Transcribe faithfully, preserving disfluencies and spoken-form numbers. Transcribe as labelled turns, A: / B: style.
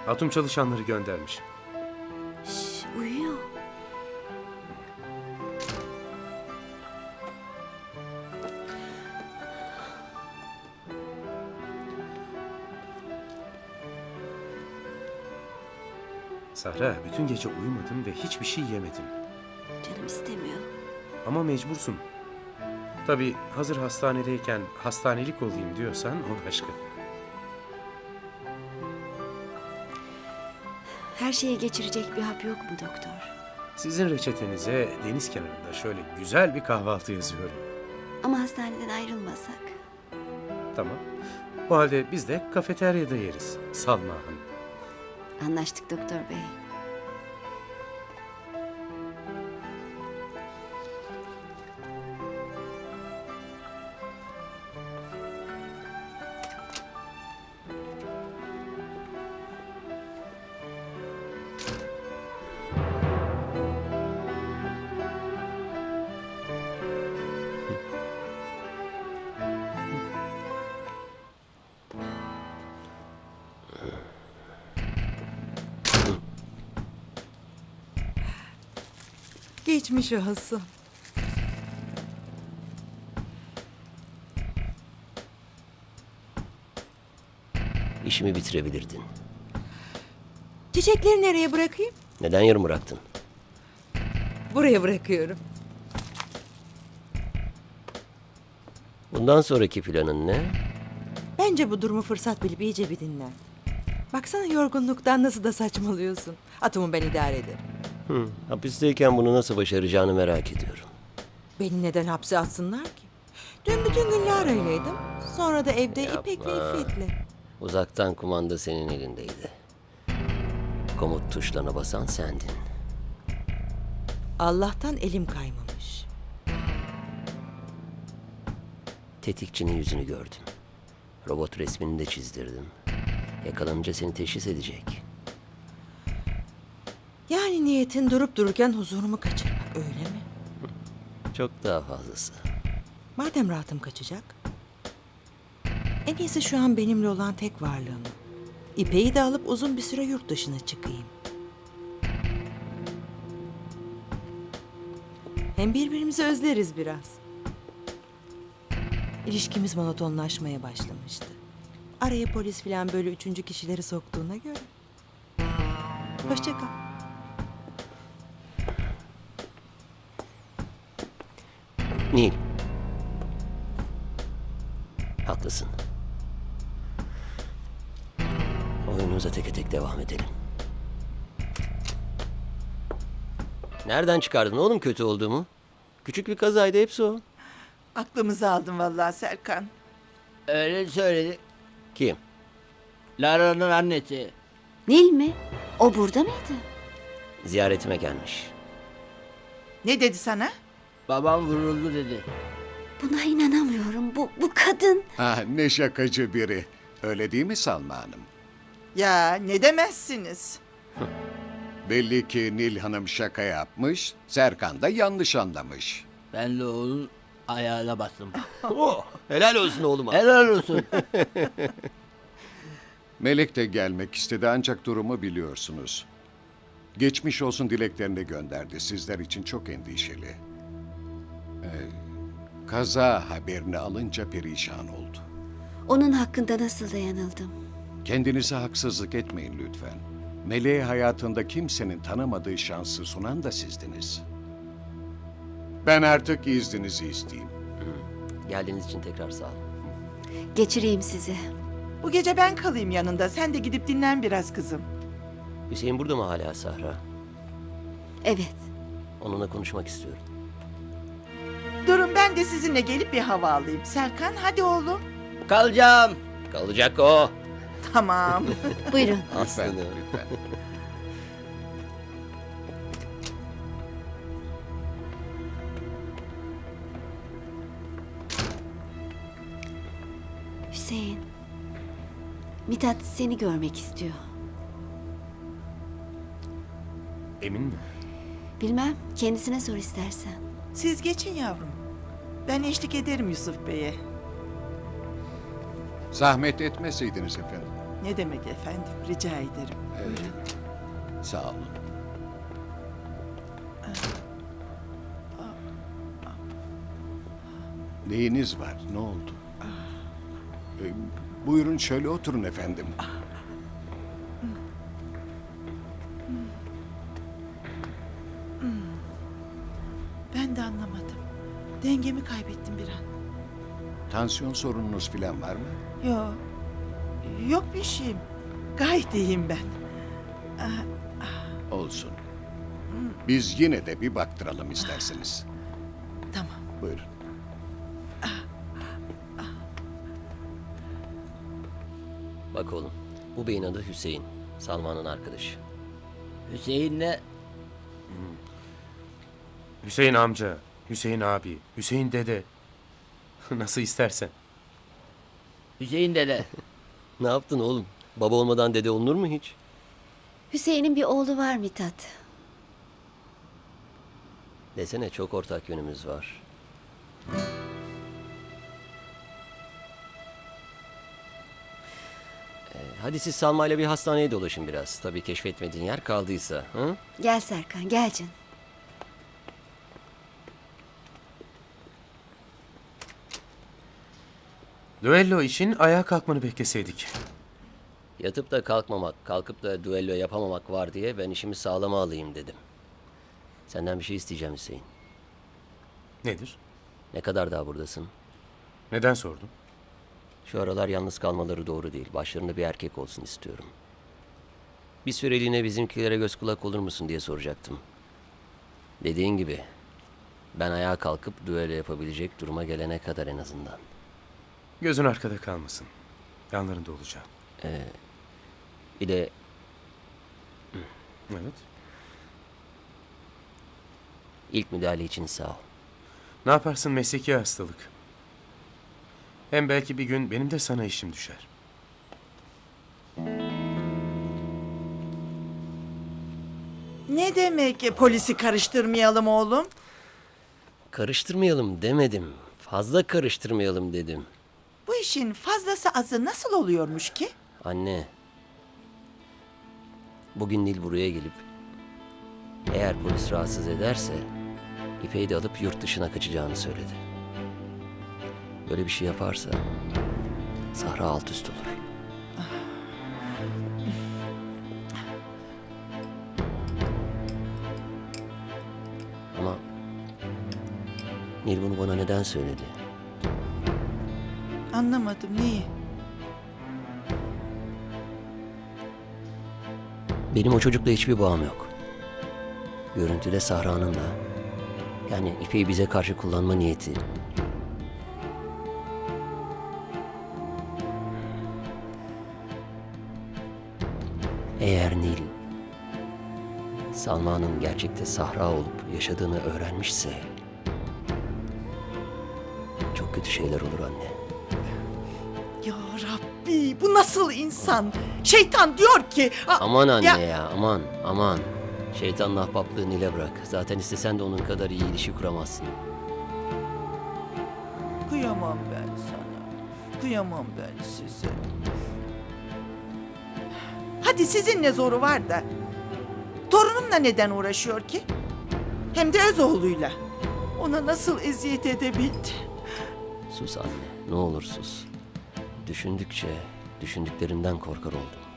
A: Hatun çalışanları göndermiş.
B: Şş, uyuyor.
A: Sahra, bütün gece uyumadın ve hiçbir şey yemedin.
B: Canım istemiyor.
A: Ama mecbursun. Tabii hazır hastanedeyken hastanelik olayım diyorsan o başka.
B: Her şeye geçirecek bir hap yok mu doktor?
A: Sizin reçetenize deniz kenarında şöyle güzel bir kahvaltı yazıyorum.
B: Ama hastaneden ayrılmasak.
A: Tamam. O halde biz de kafeteryada yeriz. Salma Hanım.
B: Anlaştık doktor bey.
C: Geçmiş olsun.
D: İşimi bitirebilirdin.
C: Çiçekleri nereye bırakayım?
D: Neden yarım bıraktın?
C: Buraya bırakıyorum.
D: Bundan sonraki planın ne?
C: Bence bu durumu fırsat bilip iyice bir dinlen. Baksana yorgunluktan nasıl da saçmalıyorsun. Atomu ben idare ederim.
D: Hı, hapisteyken bunu nasıl başaracağını merak ediyorum.
C: Beni neden hapse atsınlar ki? Dün bütün gün Lara'yleydim. Sonra da evde
D: Yapma.
C: İpek'le İffet'le.
D: Uzaktan kumanda senin elindeydi. Komut tuşlarına basan sendin.
C: Allah'tan elim kaymamış.
D: Tetikçinin yüzünü gördüm. Robot resmini de çizdirdim. Yakalanınca seni teşhis edecek.
C: Yani niyetin durup dururken huzurumu kaçırmak, öyle mi?
D: Çok daha fazlası.
C: Madem rahatım kaçacak. En iyisi şu an benimle olan tek varlığımı. İpeyi de alıp uzun bir süre yurt dışına çıkayım. Hem birbirimizi özleriz biraz. İlişkimiz monotonlaşmaya başlamıştı. Araya polis falan böyle üçüncü kişileri soktuğuna göre. Hoşça kal.
D: Nil. Haklısın. Oyunumuza teke tek devam edelim. Nereden çıkardın oğlum kötü olduğumu? Küçük bir kazaydı, hepsi o.
E: Aklımızı aldın vallahi Serkan.
F: Öyle söyledi.
D: Kim?
F: Lara'nın annesi.
B: Nil mi? O burada mıydı?
D: Ziyaretime gelmiş.
E: Ne dedi sana?
F: Babam vuruldu dedi.
B: Buna inanamıyorum. Bu, bu kadın.
G: Ah, ne şakacı biri. Öyle değil mi Salma Hanım?
E: Ya ne demezsiniz?
G: Belli ki Nil Hanım şaka yapmış, Serkan da yanlış anlamış.
F: Ben de onun ayağına bastım.
D: Oh, helal olsun oğluma.
F: Helal olsun.
G: Melek de gelmek istedi ancak durumu biliyorsunuz. Geçmiş olsun dileklerini gönderdi. Sizler için çok endişeli. Ee, kaza haberini alınca perişan oldu.
B: Onun hakkında nasıl da yanıldım.
G: Kendinize haksızlık etmeyin lütfen. Meleğe hayatında kimsenin tanımadığı şansı sunan da sizdiniz. Ben artık izninizi isteyeyim.
D: Geldiğiniz için tekrar sağ olun.
B: Geçireyim sizi.
E: Bu gece ben kalayım yanında. Sen de gidip dinlen biraz kızım.
D: Hüseyin burada mı hala Sahra?
B: Evet.
D: Onunla konuşmak istiyorum.
E: Durun ben de sizinle gelip bir hava alayım. Serkan hadi oğlum.
F: Kalacağım.
D: Kalacak o.
E: Tamam.
B: Buyurun.
G: Lütfen,
D: Aslanım.
G: lütfen.
B: Hüseyin. Mithat seni görmek istiyor.
A: Emin mi?
B: Bilmem. Kendisine sor istersen.
E: Siz geçin yavrum. Ben eşlik ederim Yusuf Bey'e.
G: Zahmet etmeseydiniz efendim.
E: Ne demek efendim? Rica ederim.
G: Sağ olun. Neyiniz var? Ne oldu? Ee, buyurun şöyle oturun efendim.
E: Ben de anlamadım. Dengemi kaybettim bir an.
G: Tansiyon sorununuz falan var mı?
E: Yok. Yok bir şeyim. Gayet iyiyim ben.
G: Olsun. Biz yine de bir baktıralım isterseniz.
E: Tamam.
G: Buyurun.
D: Bak oğlum, bu beyin adı Hüseyin. Salman'ın arkadaşı.
F: Hüseyin'le
A: Hüseyin amca, Hüseyin abi, Hüseyin dede. Nasıl istersen.
F: Hüseyin dede.
D: Ne yaptın oğlum? Baba olmadan dede olunur mu hiç?
B: Hüseyin'in bir oğlu var Mithat.
D: Desene çok ortak yönümüz var. Ee, hadi siz Salma ile bir hastaneye dolaşın biraz. Tabii keşfetmediğin yer kaldıysa. Hı?
B: Gel Serkan, gel canım.
A: Düello için ayağa kalkmanı bekleseydik.
D: Yatıp da kalkmamak, kalkıp da düello yapamamak var diye ben işimi sağlama alayım dedim. Senden bir şey isteyeceğim Hüseyin.
A: Nedir?
D: Ne kadar daha buradasın?
A: Neden sordun?
D: Şu aralar yalnız kalmaları doğru değil. Başlarında bir erkek olsun istiyorum. Bir süreliğine bizimkilere göz kulak olur musun diye soracaktım. Dediğin gibi ben ayağa kalkıp düello yapabilecek duruma gelene kadar en azından.
A: Gözün arkada kalmasın. Yanlarında olacağım.
D: Bir de
A: Evet.
D: ilk müdahale için sağ ol.
A: Ne yaparsın, mesleki hastalık. Hem belki bir gün benim de sana işim düşer.
E: Ne demek e, polisi karıştırmayalım oğlum?
D: Karıştırmayalım demedim. Fazla karıştırmayalım dedim.
E: Bu işin fazlası azı nasıl oluyormuş ki?
D: Anne. Bugün Nil buraya gelip eğer polis rahatsız ederse İpek'i de alıp yurt dışına kaçacağını söyledi. Böyle bir şey yaparsa Sahra alt üst olur. Ama Nil bunu bana neden söyledi?
E: Anlamadım neyi?
D: Benim o çocukla hiçbir bağım yok. Görüntüde Sahra'nın da. Yani İpek'i bize karşı kullanma niyeti. Eğer Nil, Salma'nın gerçekte Sahra olup yaşadığını öğrenmişse... çok kötü şeyler olur anne.
E: Ya Rabbi bu nasıl insan? Şeytan diyor ki... "A-
D: Aman anne
E: ya-
D: ya, aman aman. Şeytanla ahbaplığı Nil'e bırak. Zaten istesen de onun kadar iyi ilişki kuramazsın.
E: Kıyamam ben sana. Kıyamam ben size. Hadi sizin ne zoru var da. Torunumla neden uğraşıyor ki? Hem de öz oğluyla. Ona nasıl eziyet edebildi?
D: Sus anne, ne olur sus. Düşündükçe düşündüklerimden korkar oldum.